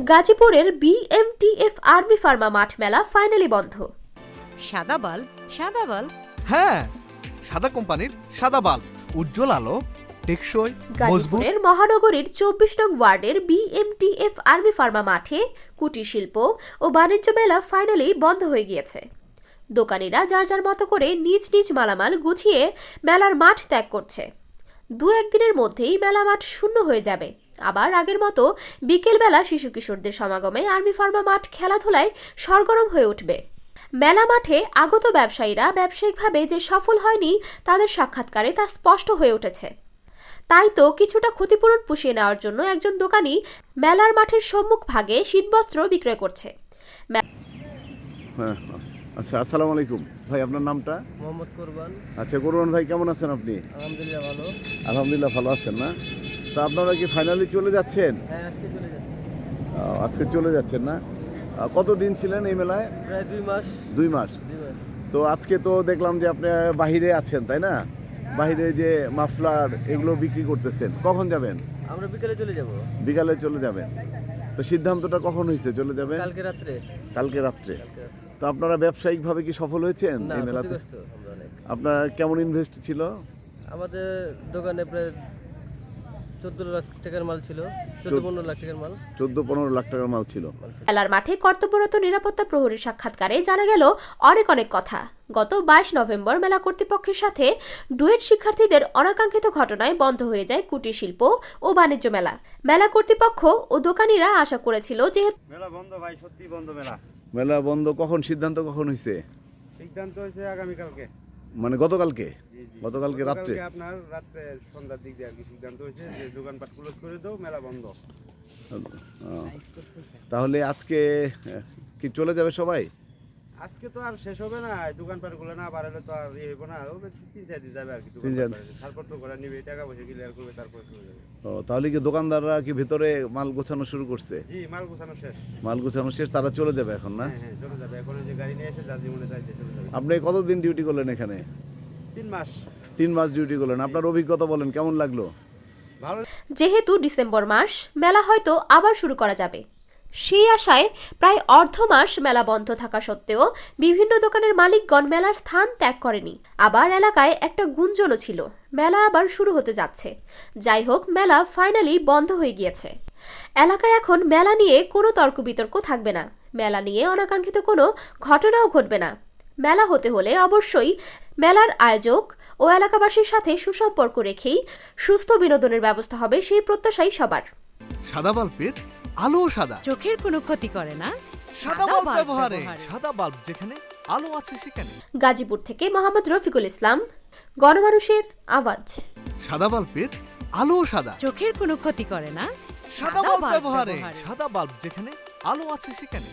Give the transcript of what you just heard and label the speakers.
Speaker 1: গাজীপুরের BMTF RV Pharma মাঠ মেলা ফাইনালি বন্ধ।
Speaker 2: সাদা বাল্ব, সাদা বাল্ব।
Speaker 3: হ্যাঁ, সাদা কোম্পানির সাদা বাল্ব, উজ্জ্বল আলো, টেকসই, মজবুত।
Speaker 1: গাজীপুরের মহানগরীর ২৪ নং ওয়ার্ডের বিএমটিএফ আরভি ফার্মা মাঠে কুটির শিল্প ও বাণিজ্য মেলা ফাইনালি বন্ধ হয়ে গিয়েছে। দোকানিরা যার যার মতো করে নিজ নিজ মালামাল গুছিয়ে মেলার মাঠ ত্যাগ করছে। দু একদিনের মধ্যেই মেলা মাঠ শূন্য হয়ে যাবে। আবার আগের মতো বিকেলবেলা শিশু কিশোরদের সমাগমে আরভি ফার্মা মাঠ খেলাধুলায় সরগরম হয়ে উঠবে। মেলা মাঠে আগত ব্যবসায়ীরা ব্যবসায়িকভাবে যে সফল হয়নি তাদের সাক্ষাৎকারে তা স্পষ্ট হয়ে উঠেছে। তাই তো কিছুটা ক্ষতিপূরণ পুষিয়ে নেওয়ার জন্য একজন দোকানি মেলার মাঠের সম্মুখ ভাগে শীতবস্ত্র বিক্রয় করছে।
Speaker 4: আচ্ছা, আসসালামু আলাইকুম ভাই, আপনার নামটা?
Speaker 5: মোহাম্মদ কোরবান।
Speaker 4: আচ্ছা কোরবান ভাই, কেমন আছেন আপনি?
Speaker 5: আলহামদুলিল্লাহ ভালো।
Speaker 4: আলহামদুলিল্লাহ ভালো আছেন না? তো আপনারা কি ফাইনালি চলে যাচ্ছেন?
Speaker 5: হ্যাঁ, আজকে চলে যাচ্ছি।
Speaker 4: আজকে চলে যাচ্ছেন না? কতদিন ছিলেন এই মেলায়?
Speaker 5: প্রায় 2 মাস।
Speaker 4: 2 মাস। তো আজকে তো দেখলাম যে আপনি বাহিরে আছেন, তাই না? বাহিরে যে মাফলার এগুলো বিক্রি করতেছেন, কখন যাবেন?
Speaker 5: আমরা বিকেলে চলে যাব।
Speaker 4: বিকালে চলে যাবেন। তো সিদ্ধান্তটা কখন হয়েছে চলে যাবেন?
Speaker 5: কালকে রাত্রে।
Speaker 4: কালকে রাত্রে। তো আপনারা ব্যবসায়িকভাবে কি সফল হয়েছেন
Speaker 5: না,
Speaker 4: এই মেলাতে?
Speaker 5: ক্ষতিগ্রস্ত আমরা অনেক।
Speaker 4: আপনার কেমন ইনভেস্ট ছিল?
Speaker 5: আমাদের দোকানে প্রায় 14 লাখ টাকার মাল ছিল। 14-15 লাখ টাকার মাল।
Speaker 4: 14-15 লাখ টাকার মাল ছিল।
Speaker 1: মেলার মাঠে কর্তব্যরত নিরাপত্তা প্রহরীর সাক্ষাৎকারে জানা গেল অনেক কথা। গত 22 নভেম্বর মেলা কর্তৃপক্ষের সাথে ডুয়েট শিক্ষার্থীদের অনাকাঙ্ক্ষিত ঘটনায় বন্ধ হয়ে যায় কুটির শিল্প ও বাণিজ্য মেলা। মেলা কর্তৃপক্ষ ও দোকানিরা আশা করেছিল যে
Speaker 6: মেলা বন্ধ ভাই, সত্যি বন্ধ মেলা।
Speaker 4: মেলা বন্ধ কখন, সিদ্ধান্ত কখন হয়েছে?
Speaker 6: সিদ্ধান্ত হয়েছে আগামীকালকে,
Speaker 4: মানে গতকালকে?
Speaker 6: জি, জি।
Speaker 4: গতকালকে রাত্রে?
Speaker 6: আপনার রাত্রে সন্ধ্যার দিক দিয়ে আর কি সিদ্ধান্ত হয়েছে যে দোকানপাট ক্লোজ করে দাও, মেলা বন্ধ।
Speaker 4: তাহলে আজকে কি চলে যাবে সবাই?
Speaker 6: আজকে তো আর শেষ হবে না, দোকানপাট গুলো না বাড়ালে তো আর হইব না। 3-4 দিন যাবে আর কি।
Speaker 4: 3-4
Speaker 6: ছাড়পত্র করে নিবে, টাকা পয়সা ক্লিয়ার করবে, তারপরে চলে যাবে।
Speaker 4: তাহলে কি দোকানদাররা কি ভেতরে মাল গোছানো শুরু করছে?
Speaker 6: জি, মাল গোছানো শেষ।
Speaker 4: মাল গোছানো শেষ, তারা চলে যাবে এখন না?
Speaker 6: হ্যাঁ হ্যাঁ, চলে যাবে। এখন ওই যে গাড়ি নিয়ে এসে যার জীবনে যাইতে চলে যাবে।
Speaker 4: আপনি কতদিন ডিউটি করলেন এখানে?
Speaker 6: 3 মাস।
Speaker 4: 3 মাস ডিউটি করলেন। আপনার অভিজ্ঞতা বলেন, কেমন লাগলো?
Speaker 6: ভালো।
Speaker 1: যেহেতু ডিসেম্বর মাস মেলা হয়তো আবার শুরু করা যাবে, সেই আশায় প্রায় অর্ধ মাস মেলা বন্ধ থাকা সত্ত্বেও বিভিন্ন দোকানের মালিকগণ মেলার স্থান ত্যাগ করেনি। আবার এলাকায় একটা গুঞ্জনও ছিল মেলা আবার শুরু হতে যাচ্ছে। যাই হোক, মেলা ফাইনালি বন্ধ হয়ে গিয়েছে। এলাকায় এখন মেলা নিয়ে কোনো তর্ক বিতর্ক থাকবে না। মেলা নিয়ে অনাকাঙ্ক্ষিত কোনো ঘটনাও ঘটবে না। মেলা হতে হলে অবশ্যই মেলার আয়োজক ও এলাকাবাসীর সাথে সুসম্পর্ক রেখেই সুস্থ বিনোদনের ব্যবস্থা হবে, সেই প্রত্যাশাই সবার।
Speaker 3: সাদা বাল্বের আলো সাদা,
Speaker 2: চোখের কোনো ক্ষতি করে না।
Speaker 3: সাদা বাল্ব ব্যবহারে সাদা বাল্ব যেখানে আলো আছে সেখানে।
Speaker 1: গাজীপুর থেকে মোহাম্মদ রফিকুল ইসলাম, গণমানুষের আওয়াজ।
Speaker 3: সাদা বাল্বের আলো সাদা,
Speaker 2: চোখের কোনো ক্ষতি করে না।
Speaker 3: সাদা বাল্ব ব্যবহারে সাদা বাল্ব যেখানে আলো আছে সেখানে।